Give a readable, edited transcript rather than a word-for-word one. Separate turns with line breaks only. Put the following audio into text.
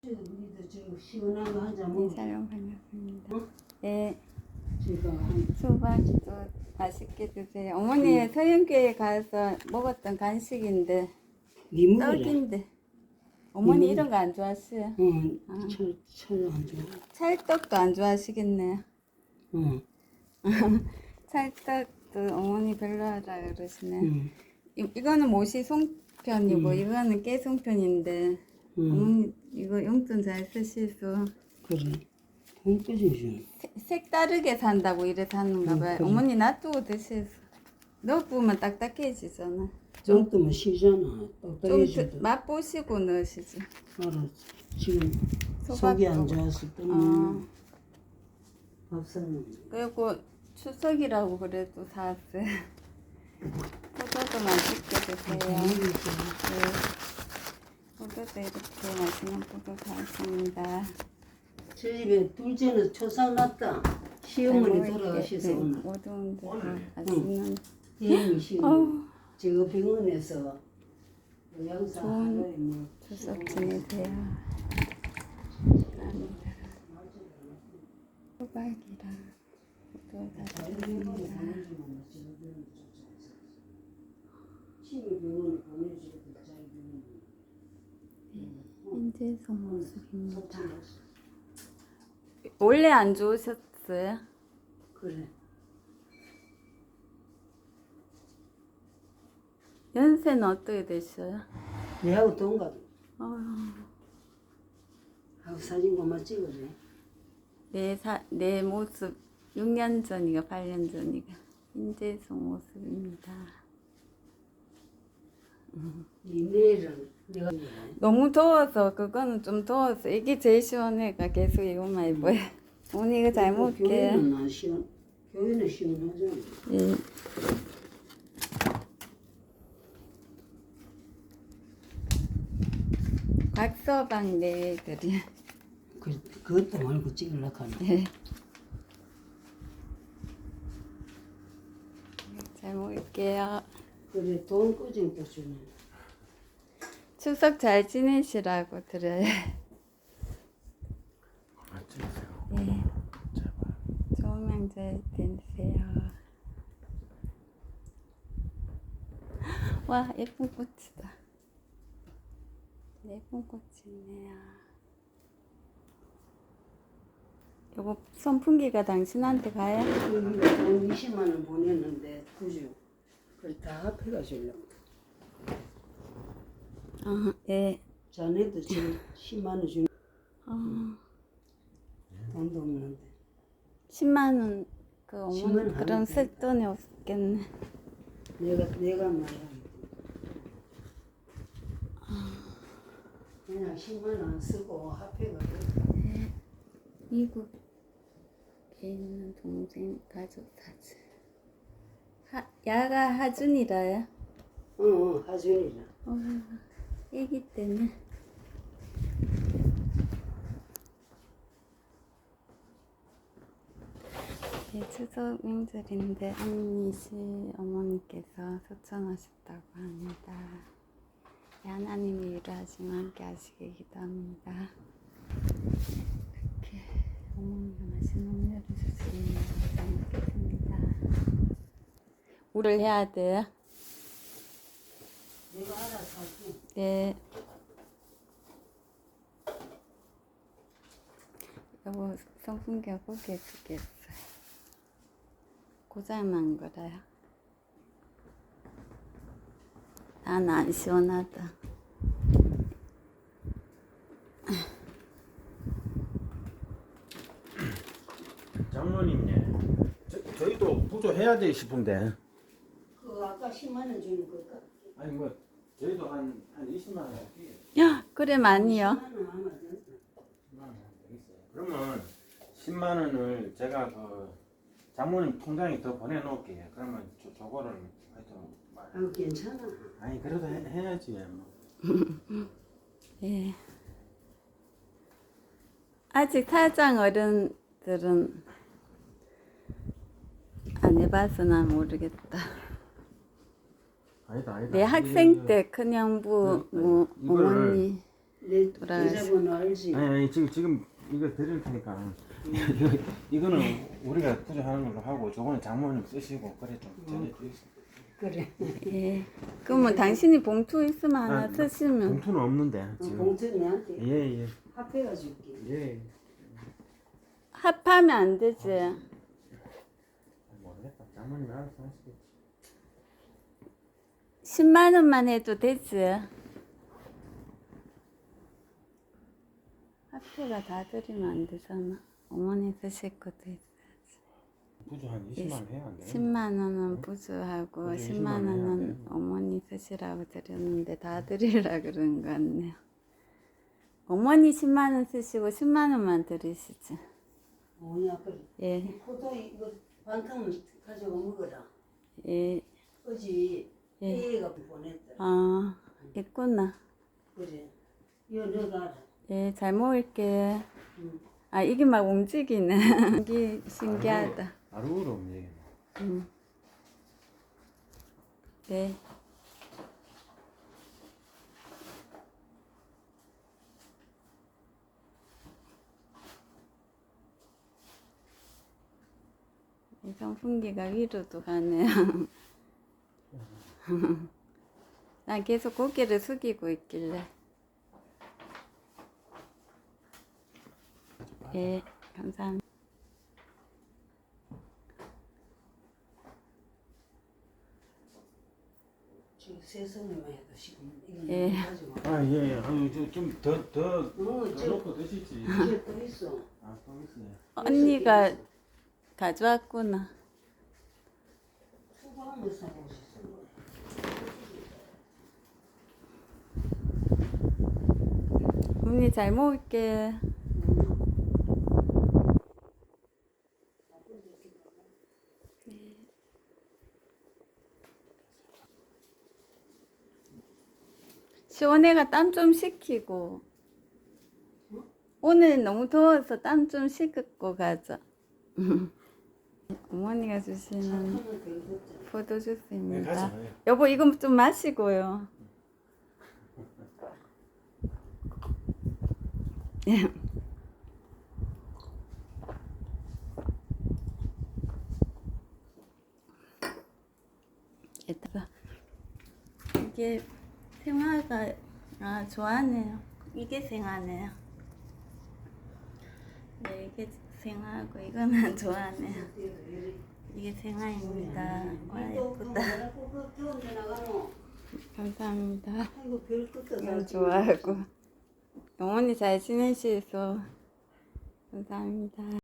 우리도 저 시원한 거 하자
네,
뭐.
촬영 반갑습니다.
어?
네,
제가
수박도 맛있게 드세요. 어머니 서영교회 가서 먹었던 간식인데
니무라.
떡인데 어머니 이런 거 안 좋아하세요?
철안 좋아.
찰떡도 안 좋아하시겠네요.
응.
찰떡도 어머니 별로하다 그러시네.
응.
이거는 모시 송편이고 이거는 깨 송편인데 어머니 이거 용돈 잘 쓰시소.
그래. 돈 끄지지.
색다르게 산다고 이래서 하는가 봐요.
그래.
어머니 놔두고 드세요. 넣으면 딱딱해지잖아.
정도면 쉬잖아.
좀
똑딱해지도.
맛보시고 넣으시지.
알았어. 지금
소박도.
속이 안 좋아서
어.
때문에 밥사는.
그리고 추석이라고 그래도 사왔어요. 포도도 맛있게 드세요. 네. 포도도 이렇게 맛있는 포도 사왔습니다.
저 집에 둘째는 초상 났다. 시어머니 돌아가셔서 오늘.
모든 분들 맛있는
대형이 시어머니.
어우,
제가 병원에서 양사
좋은
하루에 뭐
추석 지내세요. 감사합니다. 호박이랑 포도 다 드립니다.
병원에 보내주고
인제성 모습입니다. 원래 안 좋으셨어요?
그래.
연세는 어떻게 되셔요?
내하고 동갑.
어휴,
하고 사진 그만 찍어줘.
내 모습 6년 전이가 8년 전이가 인제성 모습입니다.
이 내일은 내가
너무 더워서 그거는 좀 더워서 이게 제일 시원해가 계속 이것만 입어요. 오늘 이거 잘 먹을게요.
교회는 안 시원. 교회는 시원하잖아.
예. 곽서방 내외들이
그것도 말고 찍으려고 하네.
네. 잘 먹을게요.
그래 돈 꾸준 또 주네.
추석 잘 지내시라고 드려요.
찍으세요.
네. 좋은 명절 되세요. 와, 예쁜 꽃이다. 예쁜 꽃이 있네요. 요거 선풍기가 당신한테 가요?
돈 20만 원 보냈는데 그죠? 그걸 다 합해가지고
아, 예.
자네도 지금 10만 원 주는
아,
돈도 없는데
10만 원, 그
10만
어머니
원
그럼
하면
쓸 돈이 없겠네.
내가 말하는 그냥 10만 원 쓰고 합해가지고
미국에 있는 동생 가족 사진. 야가 하준이라요?
하준이라.
애기 때문에. 네, 추석 명절인데 언니 씨 어머니께서 소천하셨다고 합니다. 네, 하나님이 위로하시면 함께 하시길 기도합니다. 이렇게 어머니가 맛있는 음료를 주시면 잘 먹겠습니다. 물을 해야 돼요?
내가 알아서 할게.
네. 여보, 선풍기가 고개 죽겠어요. 고장난 거라요. 난 안 시원하다.
장모님, 저희도 부조해야 돼 싶은데.
그 아까 10만 원 주는 걸까?
아니 뭐 저희도 한 20만 원 할게요.
야, 그래 많이요.
10만 원 하면 된다.
10만 원 되겠어요. 그러면 10만 원을 제가 그 장모님 통장에 더 보내놓을게요. 그러면 저거를 하여튼
아유 괜찮아.
아니 그래도 해야지 뭐.
예. 아직 사장 어른들은 안 해봐서 난 모르겠다.
아니다.
내 학생 때 큰형부 뭐
이거를
어머니
내
돌아가시-
계좌번호 알지?
아니 지금 이거 드릴 테니까 이거는 우리가 구조하는 걸로 하고 저거는 장모님 쓰시고 그래 좀 전해주세요.
그래.
예. 그러면 당신이 봉투 있으면 하나
아,
쓰시면.
봉투는 없는데 지금.
봉투 내한테
예예.
합해가 줄게.
예.
합하면 안 되지.
모르겠다. 장모님 알아서 하시겠지.
10만 원만 해도 되지. 합해가 다 드리면 안 되잖아. 어머니 드실 것도 있어야지.
구조 한 20만 원 해야 안 돼?
10만 원은 부수하고
그래,
10만
20만 원 해야
원은
돼.
어머니 쓰시라고 드렸는데 다 드리라 그런 것 같네요. 어머니 10만 원 쓰시고 10만 원만 드리시지.
뭐냐 그래.
예,
포도 이거 반통을 가져가 먹어라.
예.
어제
예.
애가 보냈더라.
아, 있구나.
그래. 이거 너가
예, 잘 먹을게.
응.
아, 이게 막 움직이네. 이게 신기하다.
아루로 움직이네.
네. 이 선풍기가 위로도 가네요. 난 계속 고개를 숙이고 있길래. 예, 감사합니다.
지금 세성이만 해도 지금 이거
예.
가져가.
아 예. 아유 좀더
어, 저
넣고 드시지.
이게 또 있어.
아또 있어요.
언니가 가져왔구나.
수박을 사고 싶어.
언니 잘 먹을게. 시원해가 땀 좀 식히고. 오늘 너무 더워서 땀 좀 씻고 가자. 어머니가 주시는
착하면 되거든.
포도
네,
주스입니다.
가져가요.
여보 이거 좀 마시고요. 이따가 이게 생화가 좋아하네요. 이게 생화네요. 네, 이게 생화고 이거는 좋아하네요. 이게 생화입니다. 와 예쁘다. 감사합니다.
아이고 별 것도
너무 좋아하고 어머니 잘 지내시소. 감사합니다.